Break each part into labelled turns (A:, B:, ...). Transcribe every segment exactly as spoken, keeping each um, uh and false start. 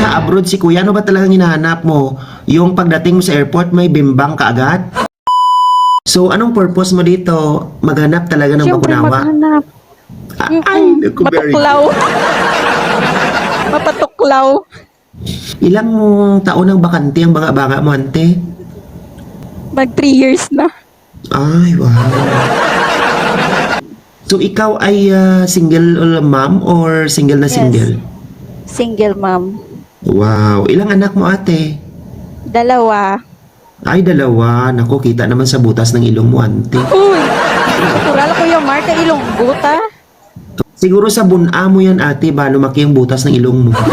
A: nasa abroad si kuya, ano ba talagang hinahanap mo? Yung pagdating mo sa airport, may bimbang ka agad? So, anong purpose mo dito? Maghanap talaga ng
B: Siyempre,
A: bakunawa?
B: maghanap.
A: Ah,
B: Mm-mm.
A: Ay, naku, very
B: Matuklaw.
A: good.
B: Mapatuklaw.
A: Ilang taon ang bakante ang banga-banga mo, ante?
B: Mag three years na.
A: Ay, wow. So, ikaw ay ah, single mom or single na
B: Yes.
A: single?
B: Single mom.
A: Wow. Ilang anak mo, ate?
B: Dalawa.
A: Ay, dalawa. Naku, kita naman sa butas ng ilong mo, ante.
B: Uy! Natural ko yung marka ilong buta.
A: Siguro sa buna mo yan, ate, ba lumaki ang butas ng ilong mo.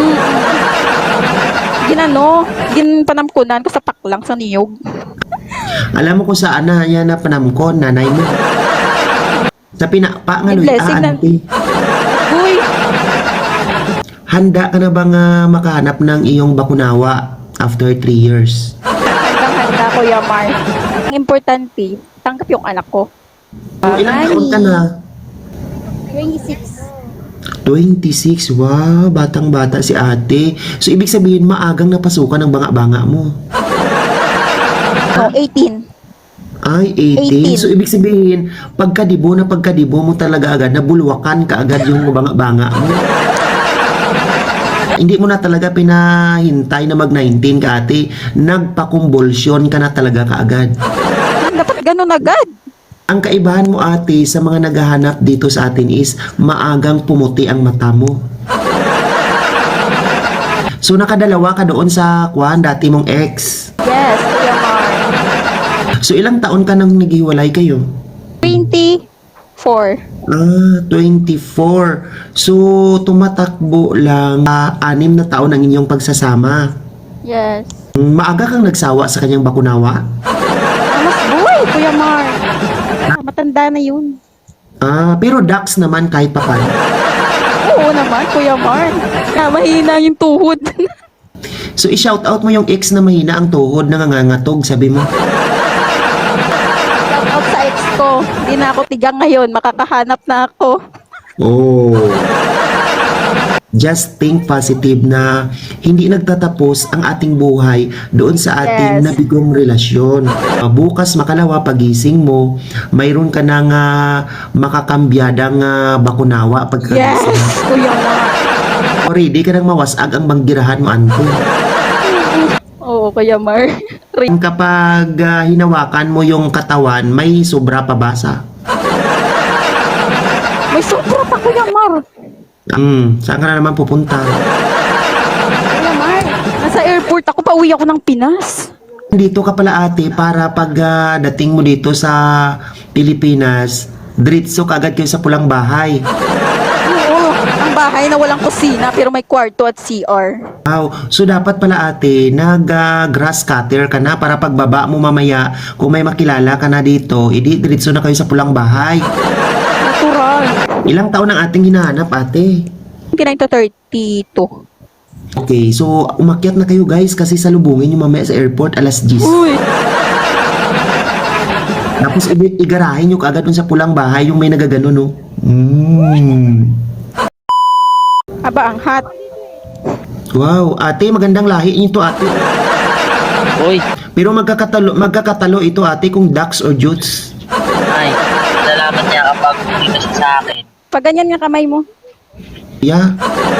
B: Ginano, ginpanamkunan ko sa paklang sa niyog.
A: Alam mo kung saan na yan na panamkon, nanay mo. Sa pinapa nga,
B: May
A: Loy,
B: blessing
A: ah,
B: na-
A: ante.
B: Uy!
A: Handa ka na bang ah, makahanap ng iyong bakunawa after three years?
B: Handang-handa ko yung mark. Ang importante, tanggap yung anak ko.
A: So, ilang taon ka na?
B: twenty-six.
A: twenty-six. Wow, batang-bata si ate. So, ibig sabihin, maagang napasukan ng banga-banga mo.
B: No, eighteen.
A: Ay, eighteen.
B: eighteen.
A: So, ibig sabihin, pagkadibo na pagkadibo mo talaga agad, nabulwakan ka agad yung banga-banga mo. Hindi mo na talaga pinahintay na mag-nineteen ka, ate. Nagpakumbulsyon ka na talaga kaagad.
B: Dapat ganun agad.
A: Ang kaibahan mo, ate, sa mga naghahanap dito sa atin is maagang pumuti ang mata mo. So, nakadalawa ka doon sa kwan, dati mong ex.
B: Yes, Kuya Mar.
A: So, ilang taon ka nang naghiwalay kayo?
B: twenty-four.
A: Ah, twenty-four. So, tumatakbo lang ah, anim na taon ang inyong pagsasama.
B: Yes.
A: Maaga kang nagsawa sa kanyang bakunawa?
B: Ah, mas buhay, Kuya Mar. Ah, matanda na yun.
A: Ah, pero Dax naman kahit pa paano.
B: Oo naman, Kuya Mar. Ah, mahina yung tuhod.
A: So, i-shoutout mo yung ex na mahina ang tuhod, nangangatog, sabi mo.
B: Shout out sa ex ko. Hindi na ako tigang ngayon. Makakahanap na ako.
A: Oh. Just think positive na hindi nagtatapos ang ating buhay doon sa ating
B: Yes.
A: nabigong relasyon. Uh, bukas makalawa pagising mo, mayroon ka nang uh, makakambyadang uh, bakunawa
B: Yes,
A: pagkagising.
B: Kuya Mar.
A: Ready ka nang mawasag ang banggirahan mo, Anto.
B: Oo, Kuya Mar.
A: Kapag uh, hinawakan mo yung katawan, may sobra pa basa.
B: May sobra pa, Kuya Mar.
A: Hmm, saan ka na naman pupunta?
B: Kuya Mar, nasa airport ako. Pauwi ako ng Pinas.
A: Dito ka pala, ate, para pag ah, dating mo dito sa Pilipinas, diretso kagad kayo sa pulang bahay.
B: Oo, ang bahay na walang kusina pero may kwarto at C R.
A: Wow. So dapat pala, ate, nag-grass cutter ka na para pagbaba mo mamaya, kung may makilala ka na dito, edi diretso na kayo sa pulang bahay.
B: Natural.
A: Ilang taon ang ating hinahanap, ate?
B: twenty-nine to thirty-two.
A: Okay, so umakyat na kayo, guys, kasi salubungin nyo mamaya sa airport alas diyes.
B: Uy,
A: Tapos i- igarahin nyo kaagad dun sa pulang bahay yung may nagagano, no? Mm.
B: aba ang hot.
A: Wow, ate, magandang lahi nito, ate.
C: Uy,
A: Pero magkakatalo, magkakatalo ito, ate, kung ducks or jutes.
C: ay, nalalaman niya kapag dito siya sa akin.
B: Pag ganyan nga kamay mo.
A: Yeah.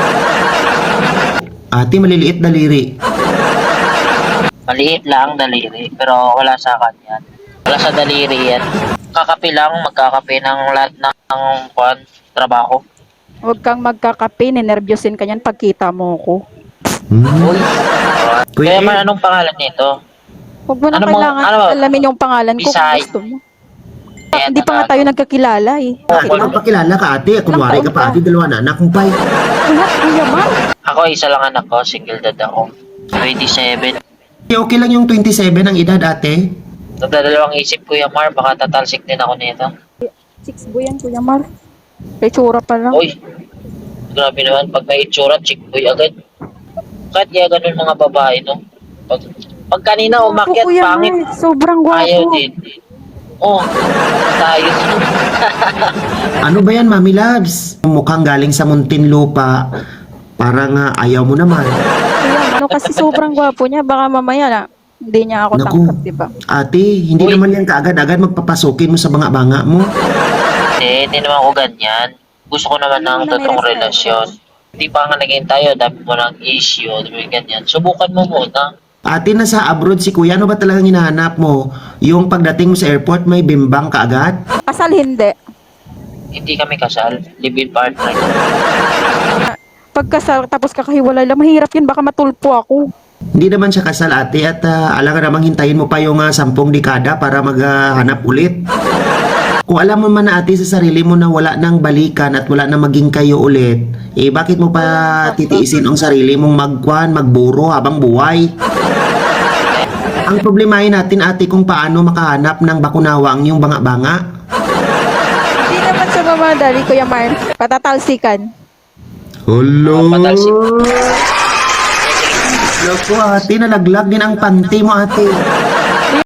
A: Ate, maliliit daliri.
C: Maliit lang daliri, pero wala sa kanya. Wala sa daliri yan. Kakape lang, magkakape ng lahat ng, ng kwan, trabaho.
B: Huwag kang magkakape, ninervyosin ka niyan pagkita mo ko.
A: Hmm.
C: Uy,
A: Kuya
C: kaya man
A: Ed,
C: anong pangalan nito?
B: Huwag mo na
C: Ano mo-
B: kailangan
C: ano mo?
B: alamin yung pangalan ko kung
C: Bisay.
B: gusto mo.
C: Ayan,
B: Hindi pa nga
C: ano?
B: tayo nagkakilala eh.
A: bakit mo pakilala ka, ate? Kunwari ka pa, ate, dalawa na anak mo pa. eh.
B: Lahat, Kuya Mar.
C: Ako, isa lang anak ko, single dad ako. twenty-seven.
A: Okay, okay lang yung twenty-seven ang edad, ate.
C: Nagdadalawang isip, Kuya Mar, baka tatalsik din ako nito.
B: Six boy yan, Kuya Mar. May tsura pa lang.
C: Uy, grabe naman, pag may itsura, chick boy agad. Kahit kaya ganun mga babae, no? Pag, pag kanina umakyat,
B: Opo, Kuya
C: pangit,
B: Mar. Sobrang gwapo.
C: ayaw din. Oh, tayo.
A: Ano ba yan, Mami Labs? Mukhang galing sa Muntinlupa. Parang ah, ayaw mo naman.
B: Kuya Ano kasi sobrang gwapo niya, baka mamaya na hindi niya ako
A: Naku.
B: tangkap, di ba?
A: Ate, hindi
C: Uy.
A: naman yan kaagad-agad magpapasukin mo sa banga-banga mo.
C: Eh, hindi naman ako ganyan. Gusto ko naman ng
B: Hindi mo na may
C: totoong
B: respeto.
C: relasyon. Hindi pa nga naging tayo, dami mo ng issue, dami ganyan. Subukan mo muna.
A: Ate, nasa abroad si kuya, ano ba talagang hinahanap mo? Yung pagdating mo sa airport, may bimbang kaagad?
B: Kasal hindi.
C: Hindi kami kasal, live-in partner.
B: Pagkasal tapos kakahiwalay lang, mahirap yun, baka matulpo ako.
A: Hindi naman siya kasal, ate, at uh, alam ka namang hintayin mo pa yung uh, sampung dekada para maghanap ulit. Kung alam mo man na, ate, sa sarili mo na wala nang balikan at wala nang maging kayo ulit, eh bakit mo pa titiisin ang sarili mong magkwan, magburo habang buhay? Ang problemahin natin, ate, kung paano makahanap ng bakunawa ang iyong banga-banga.
B: Hindi naman sa mamadali, Kuya Mar. Patatalsikan.
A: Hello?
C: Patalsik.
A: Loko, ate, nalaglag din ang panty mo, ate.